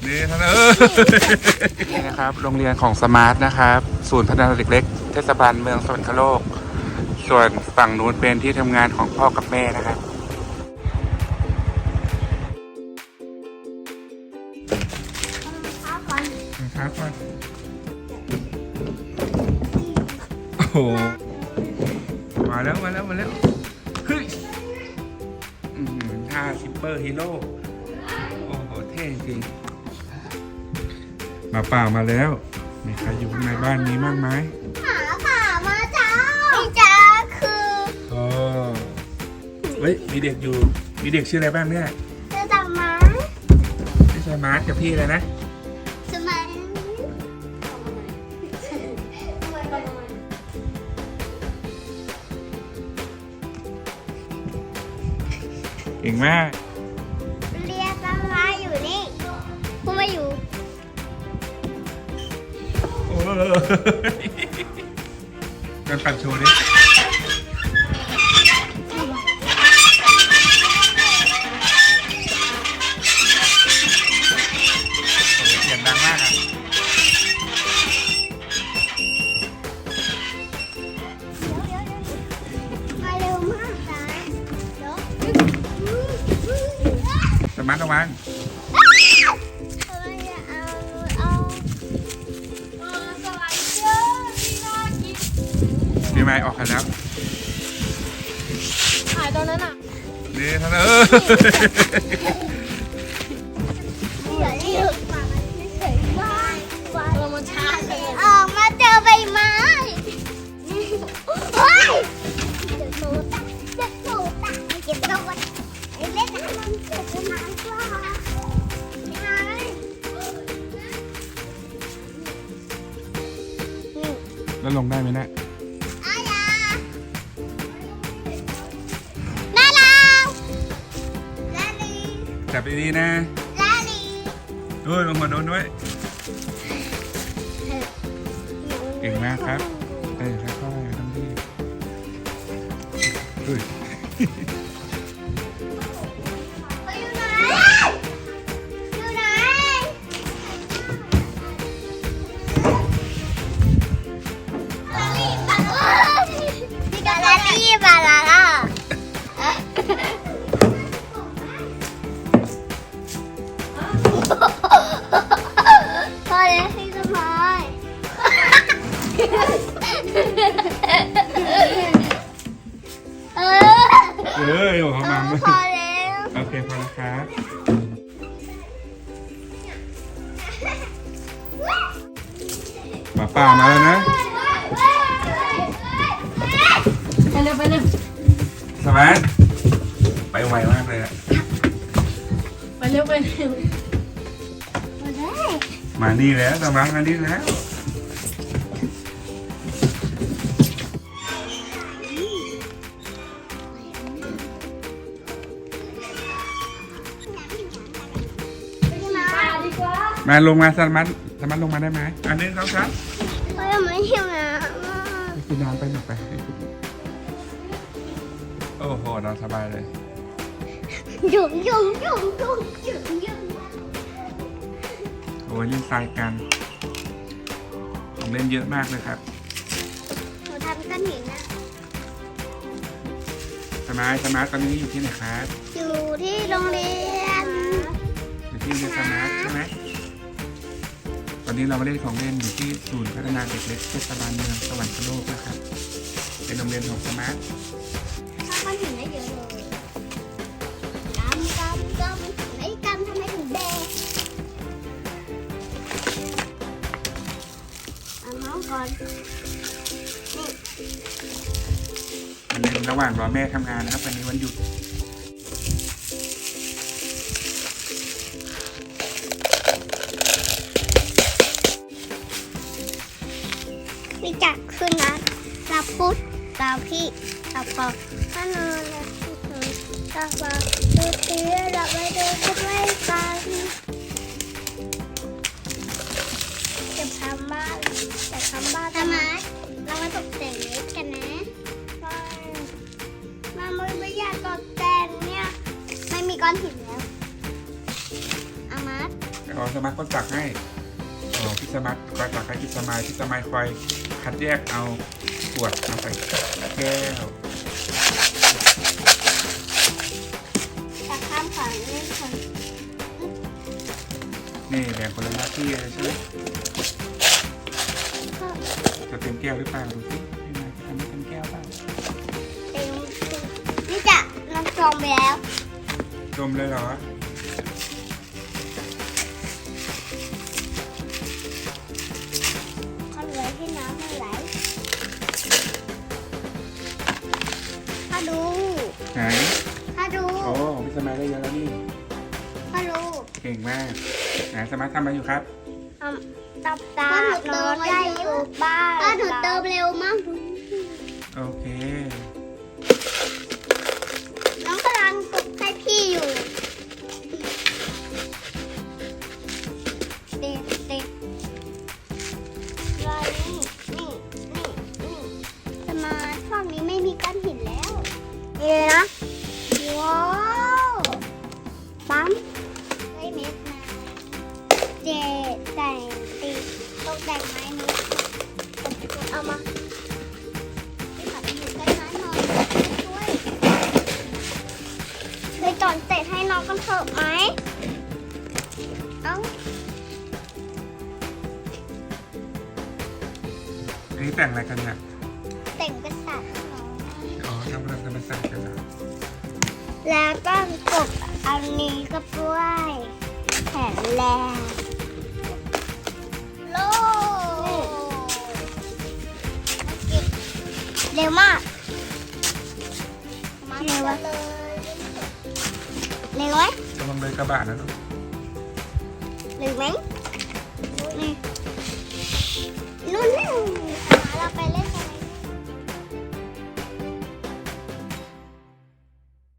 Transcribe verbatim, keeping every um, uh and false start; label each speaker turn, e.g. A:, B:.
A: นี่ท่านเออนี่นะครับโรงเรียนของสมาร์ทนะครับศูนย์พัฒนาเด็กเล็กเทศบาลเมืองสวรรคโลกส่วนฝั่งนู้นเป็นที่ทำงานของพ่อกับแม่นะครับครับก่อนโอ้โหมาแล้วมาแล้วมาแล้วเฮ้ยท่าซิปเปอร์ฮีโร่โอ้โหเท่จริงมาป่ามาแล้วมีใครอยู่ในบ้านนี้บ้างไหม
B: หาป่ามาจ้าพี่จ้าคือ
A: โอ้เฮ้ยมีเด็กอยู่มีเด็กชื่ออะไรบ้างเนี่ย
B: ชื่อสมาร์ท
A: ชื่อสมาร์ทกับพี่อะไรนะ
B: สมาร์ท
A: เก่งมาก
B: เรียกสมาร์ทอยู่นี่พูดมาอยู่
A: โอ้การปั่นโชว์ดิเสียงดังมากอ่ะ
B: มาเร็วมากจ้า
A: สมาร์ทระวังมีไม้ออกกันแล้ว
B: ถ่ายตอนนั้นอ่ะ
A: นี่ท่านเออ
B: เรามาช้าเลยออกมาเจอใบไม้เฮ้ยเดี๋ยวโตตาเดี๋ยวโตตาเก็บตัวไอ้เล่นน้ำมันเก็บน้ำกว่าไง
A: แล้วลงได้ไหมนะ
B: อาญาแม่ลาวลาลี
A: จับดีๆนะ
B: ลาลี
A: ด้วยลงหัวโดนด้วยเก่งมากครับเอ้ยค่อยๆทำดีอุ้ย
B: อยู่ไหนอยู่ไหนพี่กาลาลีบาลาล่าพอแล้วพี่สมายเออ
A: เอ้ยโอ้เขามา
B: พอแล้ว
A: โอเคพอแล้วครับมาป่ามาแล้วนะ
B: ไปเร็วไปเร็ว
A: สมาร์ทไปไวมากเลยอะ
B: ไปเร็วไปเร็วมาได้
A: มานี่แล้วสมาร์ทมานี่แล้วมาลงมาสมาร์ทสมาร์ทลงมาได้ไหมอันนึงเขาครับ
B: เพราะยังไม่หิวน้ำ
A: ไปกินน้ำไปหน่อยไปโอ้โหนอนสบายเลย
B: ยุ่งยุ่งยุ่งยุ่งยุ่งยุ่ง
A: โอ้ยเล่นทรายกันของเล่นเยอะมากเลยครับ
B: หนูทำก้อนหินนะ
A: สมาร์ทสมาร์ทตอนนี้อยู่ที่ไหนครับ
B: อยู่ที่โรงเรียน
A: อยู่ที่โรงเรียนสมาร์ทใช่ไหมตอนนี้เรามาเล่นของเล่นอยู่ที่ศูนย์พัฒนาเด็กเล็กเทศบาลเมืองสวรรคโลกนะครับเป็นโรงเรียนของสมาร์ท
B: ถ้าก้อนหินได้เยอะเลยกำกำกำไอ้กำทำไมถึงแดงเอาน้องก่อน
A: วันนี้ระหว่างรอแม่ทำงานนะครับวันนี้วันหยุด
B: วิจักขึ้นนะเราพูดเราพี่เราพอก็นอนแล้วเราบอกดูทีเราไปดูกันไม่กันจะทำบ้านจะทำบ้านทำไมเรามาตกแต่งเล็กกันนะมาไม่อยากตกแต่งเนี่ยไม่มีก้อนหินแล้วอามาร์
A: อ๋อสมาร์ทก็ตักให้อ๋อพี่สมาร์ทคอยตักให้พี่สมายพี่สมายคอยคัดแยกเอาขวดมาใส่แก้ว
B: ตักข้ามก่อนเล่นคน
A: นี่แบ่งคนละหน้าที่เลยใช่ไหมจะเต็มแก้วหรือเปล่าดูสิพี่นายจะทำให้เต็มแก้วเปล่า
B: เต็มนี่จะน้ำจมไปแล้ว
A: จมเลยเหรอ
B: เขาเหลือที่น้ำไม่ไหลถ้าดู
A: ไหน
B: ถ้าดู
A: โอ้ของพี่สมายได้เยอะแล้วนี่
B: ถ้าดู
A: เก่งมากไหนสมาร์ททำอะไรอยู่ครับ
B: ตับตาโน้ตได้อยู่บ้านถ้าหนูเติมเร็วมาก
A: โอเค
B: น้องกำลังกดให้พี่อยู่ติดติดรอยนี่นี่นี่นี่จะมาช่องนี้ไม่มีก้อนหินแล้วนี่เลยนะว้าวปั๊มได้เม็ดมาเจแต่งติดตกแต่งไม้นี้เอามาไปขับอยู่ใกล้ไม้หน่อยช่วยเคยตอนเสร็จให้น้องกันเถอะไหมเอ้า
A: อันนี้แต่งอะไรกันเนี่ย
B: แต่งกระสับให้น้อง
A: อ๋อทำเรื่องธรรมศาสตร์กันเหรอ
B: แล้วก็กบอันนี้ก็ด้วยแขนแรงโลเร็วมากเร็ววะเร็วไหม
A: จะลงเลยกระบะนะลูก
B: เร็วไหม